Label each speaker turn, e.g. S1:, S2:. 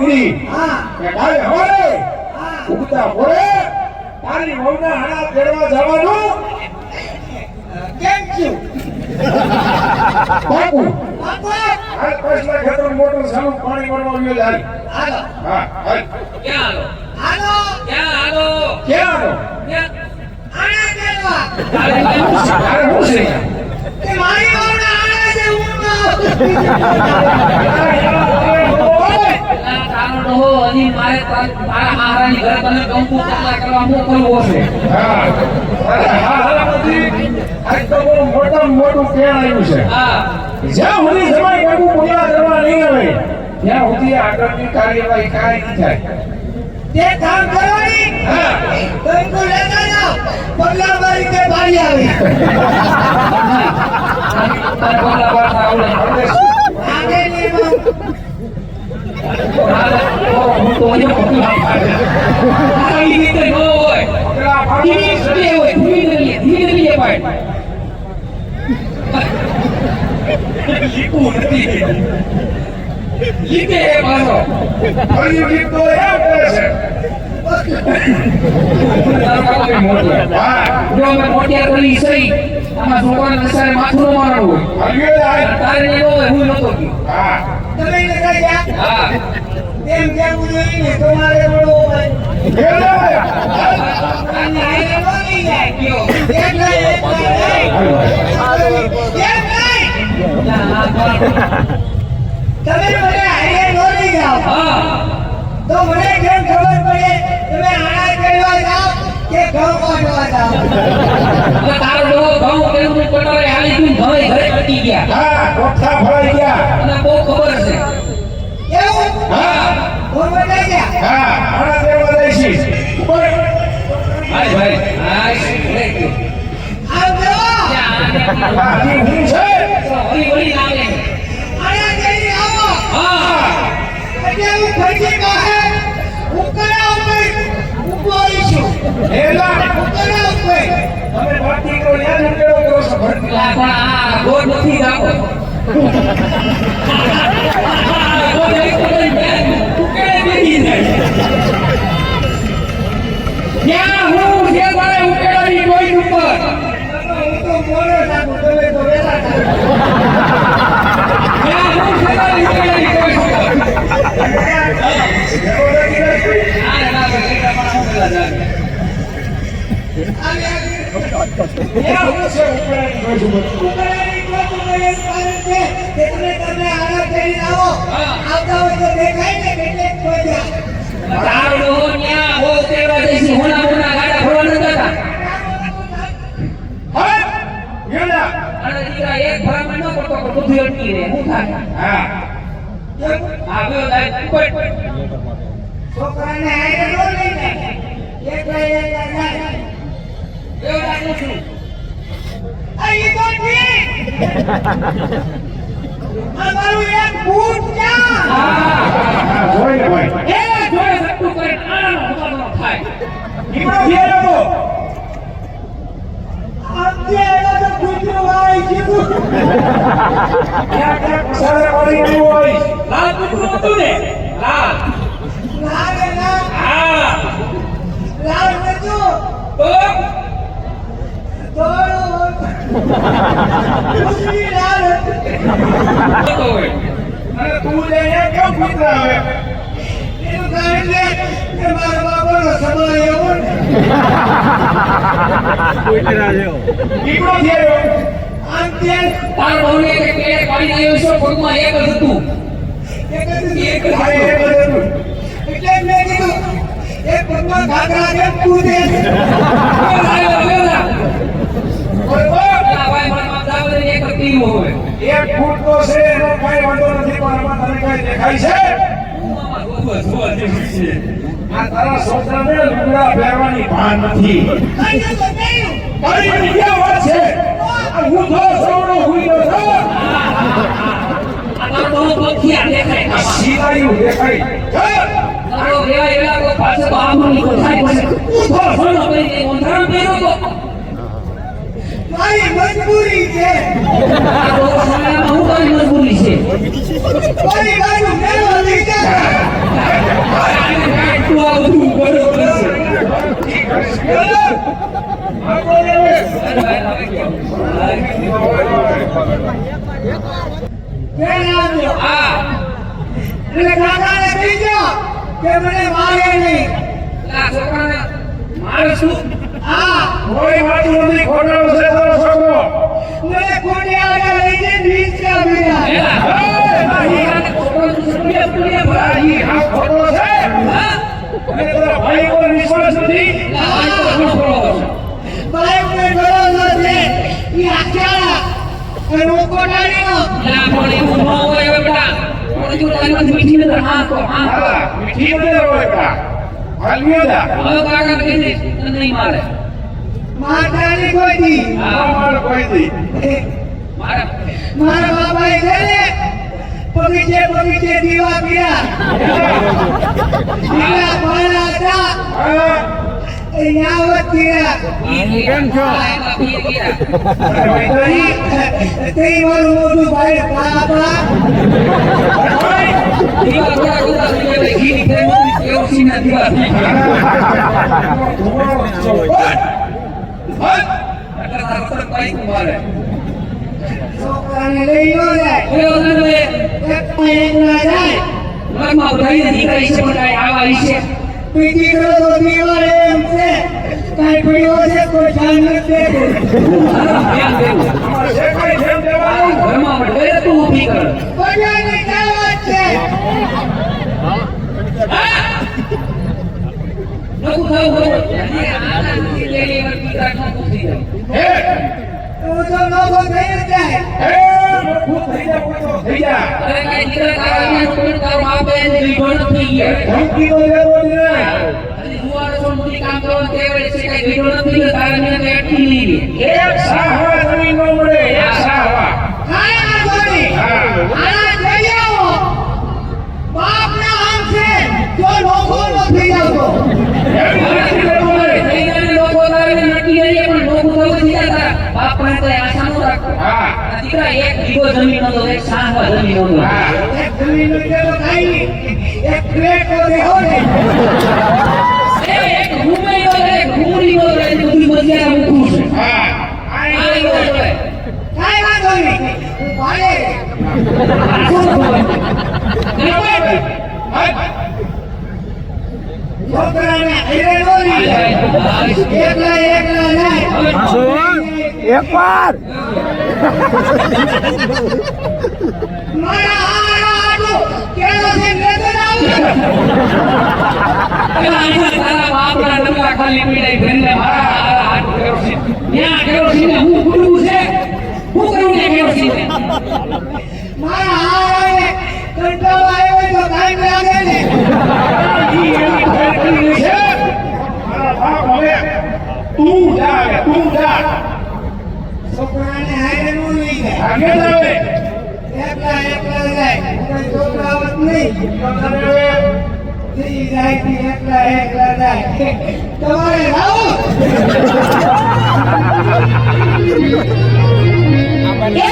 S1: કીધી
S2: હા
S1: કે કાલે હવારે
S2: હા
S1: ઉગતા પોરે તારી વહુના હાડા તેડવા જવાનું
S2: કેમ છું
S1: પાકું
S2: બાપા
S1: હાલ પછલા ખેતર મોટું સાલું પાણી ભરવા ગયો જાય
S2: હાલો
S1: હા હાલ
S3: ક્યાં
S2: હાલો
S3: ક્યાં હાલો
S1: ક્યાં
S2: આણા કરવા
S1: તારે હું છે
S2: તે મારી ઓરડા આણા છે હું
S3: તારો ડોહો હજી મારે તારા મહારાણી ઘરે તને કંકુ પગલા કરવા મોકલવો છે
S1: હા અરે હા હાલામતી આજ તો બહુ મોટું કેળ આવ્યું છે
S3: હા
S1: જ્યાં સુધી જમાઈ કાકુ પૂજા કરવા નહીં આવે ત્યાં સુધી આગળની કાર્યવાહી કાંઈ નહીં થાય
S2: તે કામ કરવાની
S1: હા
S2: કંકુ લેતા જાઓ પગલા મારી તે ભાઈ આવી
S3: તારે પગલા પાડતા આવડે
S2: આગે નહીં
S3: હું તો અહીંયા પગલા પાડે આવી રીતે ન હોય
S1: પગલા પાડવા
S3: ધીરે હોય ધીરે પાડ લીકું નથી લીકે હે મારો
S1: ફરી ગીત તો એમ કરે છે હા
S3: જો મેં મોટિયા કરી સહી આમાં છોકરાને નસારે માથું ન મારવું
S1: હલ્યો જાય
S3: તારે નહીં હોય હું નતો કી
S1: હા
S2: તમે લગા ગયા
S3: હા
S2: તેમ કેવું જોઈએ ને તમારે બોલો હોય અને આને બોલી જાય
S3: કયો
S2: એક નહીં તમે મને હારે બોલી જાઓ
S3: હા
S2: તો મને કેમ ખબર પડે તમે આણા કરવા જાઓ કે ઘઉં કાઢવા જાઓ
S3: એટલે તારો ડોહો ઘઉં કેવું પટારે હાલી ગયું ઘરે ઘરે કટી ગયા
S1: હા કોઠા ભરાઈ ગયા
S3: અને બહુ ખબર છે
S2: એવું
S1: હા
S2: ઘઉં બતાઈ ગયા
S1: હા આના દેવા દઈશી ઉપર
S3: ભાઈ ભાઈ હા લે કે
S2: આમ જો
S1: હા ઈ હું છે
S3: ઓલી ઓલી નામે
S2: આણા કરી આવો
S3: હા
S2: એટલે હું ખર્ચી બહાર ઉકરા ઉપર ઉભોઈશું
S1: એલા
S2: ઉકરા ઉપર
S1: તમે બાકી કરો યાદ ઉકેલો કરો છો ભરતી
S3: પણ આ ગોળ નથી જાતો ગોળ એક ઉકેડે બેસી જાય ત્યાં હું છે તારે ઉકેડાની કોઈ ઉપર
S2: હું તો મોડો થાકું તમે તો વેલા થાકો
S3: ત્યાં હું છે તારે ઉકેડાની કોઈ ઉપર આ ના બેટા પણ હું પેલા જાય
S1: ત્યાં હું છે ઉપરાની બાજુ
S2: ઉકરાની કોઈ એક કારણ છે કે તમે આણા કરી આવો આવતા હોય તો દેખાય ને કેટલેક કોઈ
S3: તારો ડોહો ન્યા હો તેવા દેશી હોના હોના ગાડા ફરવા ન જતા
S1: હા યેલા
S3: અને દીકરા એક ફરામાં ન પડતો પણ બધું અટકી રહે હું થાય
S1: હા
S3: આ ગયો જાય ઉપર
S2: છોકરાને હારે નો લઈ જાય એક જાય
S3: એવો રાખું છું
S2: અહીં તો ઠીક અમારું એક બૂટ ક્યાં
S1: હા જોઈ લે ભાઈ
S3: એ જોડે સટ્ટું કરે આનો ઉતારનો થાય
S1: ઈમણો ઘેર હતો
S2: આજે એનો તો કૂતરો આવી ગયું
S1: ત્યાં પસારે પડી ગયું હોય
S3: લાલ કૂતરું હતું ને લાલ
S2: લાગે ના
S3: હા
S2: લાલ નતું
S3: તો
S2: થોડું ઉસરી લાલ હતું
S3: તો હોય
S1: અને તું જઈને કેમ કૂતરા આવે
S2: એનું કારણ છે કે મારા બાપાનો સમય એવો ને
S1: ઈમણો થયો
S2: આમ ત્યાં
S3: તાર બહુને કે પેડે પાડી આવ્યો છો પગમાં એક જ હતું
S2: એક જ
S3: એક જ
S1: આ એ
S3: હતું.
S1: બધું
S2: એટલે મેં કીધું એક પગમાં ઘાઘરા કેમ કૂદે
S3: આવ્યો આવ્યો
S1: બરોબર
S3: પેલા ભાઈ મારા દાવલે એક જ પીવું હોય
S1: એક ફૂટ તો છે એનો કાંઈ વાંધો નથી પણ આમાં તને કાંઈ દેખાય છે
S3: હું આમાં જોવા જેવું છે
S1: આ તારા છોકરાને લુગડા પહેરવાની ભાન નથી
S2: કઈ તો નહીં
S1: તારી બીજા વાત છે આ હું તો સૌનો હુઈનો છો
S3: આ તારો બહુ પંખિયા દેખાય
S1: આ સીધાયું દેખાય
S3: તારો રેવા એલા કો પાસે તો આમની કોઠાઈ પાસે ઉભો સોનો કરી દે ઓંધાણ પહેરો તો
S2: મારી મજબૂરી છે
S3: આ તો સમયમાં હું તારી મજબૂરી છે
S2: મારી બાજુ મેળો લઈ જા
S3: તું આ બધું બરોબર છે.
S2: કેમ આવ્યો?
S3: હા
S2: એટલે કાકાને કહી દો કે મને મારે નહીં.
S3: આ છોકરાને મારે શું?
S2: હા,
S1: કોઈ વાતું નથી, ખોટો છે તારો છોકરો.
S2: મને કોને આગળ લઈ જઈને નીચે બીજા.
S3: એલા, આ હીરાને છોકરાનું સુનિયા પુનિયા
S1: આ
S3: ભરાય.
S1: ઈ હા ખોટો છે.
S3: હા?
S1: અને તારા ભાઈ પર વિશ્વાસ નથી.
S3: આ ભાઈ તો ઘણો બરોબર છે.
S2: બાઈકને ગળો નથી. ઈ આખ્યા અને હું કોટાડીનો.
S3: એલા, પણ એવું ન હોય હવે બેટા. પણ જો તારી પાસે મીઠી નજર, હા કહો, હા કહો.
S1: હા, મીઠી નથી હોય કા. હાલ્યો જા.
S3: હવે કાકાને કહી દઈશ, તને નહીં મારે.
S2: માતાની કોઈ દી.
S1: આ માર કોઈ દી.
S3: મારે
S2: મારા બાબાએ છે ને બગીચે દીવા પીયા. દીવા પાણા હતા.
S1: હા.
S2: એ ન્યાવત પીયા.
S3: કેમ છો? એમાં પીએ ગયા.
S2: તે મારું મોટું ભાઈ બાબા.
S3: દીવા થોડા થોડા થઈ ગયા, એટલે ઘીની ફેરવી કેરોસીનના દીવા થઈ ગયા. એટલે તારો તરત પાઇપ મારે.
S2: છોકરાને લઈ નો જાય.
S3: કયો ધંધો એ?
S2: એકમાં એકલા જાય.
S3: ઘરમાં બધાયને દીકરા વિશે પણ કાંઈ આવા વિશે?
S2: બીજી તો દીવાલ એમ છે. કાંઈ પડ્યો છે કોઈ ધ્યાન નથી દેતું.
S3: ધ્યાન દેવું.
S1: અમારે જે કાંઈ ધ્યાન દેવાનું.
S3: ઘરમાં વડે તું ઊભી કર.
S2: બધાની દાવત છે.
S3: નકું થયું હોય. અને આનાથી લેલી વાર દીકરા નકું થઈ જાય.
S1: હે,
S2: હું તો નોખો થઈ જ જાય.
S1: હે, મફૂત થઈ જા, કોઈ તો થઈ જા.
S3: અરે કાંઈ દીકરા તારા અહીંયા કોઈ તારો બાપ એને લીધો નથી ગયા.
S1: ધમકી તો દેવો જ નહીં.
S3: અને જુવારો છો મોટી કામ કરવાનું કહેવાય છે, કાંઈ લીધો નથી ગયો, તારા મને તો એટલી નહીં લે.
S1: એક સાહવા જમીન નો મળે, એક સાહવા.
S2: કાંઈ વાંધો નહીં.
S1: હા.
S2: આના જઈ આવો. બાપના આમ છે. જો નોખો ન થઈ જાવ
S1: એવી નથી લેવું મળે.
S3: થઈ જાય લોકો તારે નક્કી કરીએ પણ લોકો થવું થઈ જાય તારા બાપ પાસે તો આશા ન રાખો.
S1: હા.
S3: આ દીકરા એક વીઘો જમીન હતો, એક સાહવા જમીન હતો.
S1: હા.
S2: એક જમીનનું જેવો કાંઈ નહીં. એક પ્લેટ તો દેહો ને.
S3: એ એક રૂમેય હતો, એક રૂમડી હતો, એટલે બધી મજિયાના મૂકવું છે.
S1: હા.
S3: આ એવો જોડે.
S2: કાંઈ વાંધો નહીં. હું ભાડે. છોકરાને હારે નો લઈ જાય. એકલા જાય.
S4: એકવાર
S2: મારા આટલું કેરોસીન લેતો જાઉં.
S3: પેલા અહીંયા તારા બાપના ડબલા ખાલી પીડાઈ ભરીને મારા હાથ કેરોસીન. ત્યાં કેરોસીનને હું કૂટવું છે? હું કરું ને કેરોસીનને?
S2: મારા હારાને કંટાળો આવ્યો હોય તો ટાઈમ લાગે ને.
S1: ઈ એની ફેક્ટરી છે. મારા બાપ હવે તું જા હવે, તું જા.
S2: છોકરાને હારે નો લઈ જાય.
S1: આગે જ આવે.
S2: એકલા જાય. કોઈ છોકરાવત નહીં.
S1: હવે
S2: ઈ જાય થી એકલા જાય. તમારે આવો.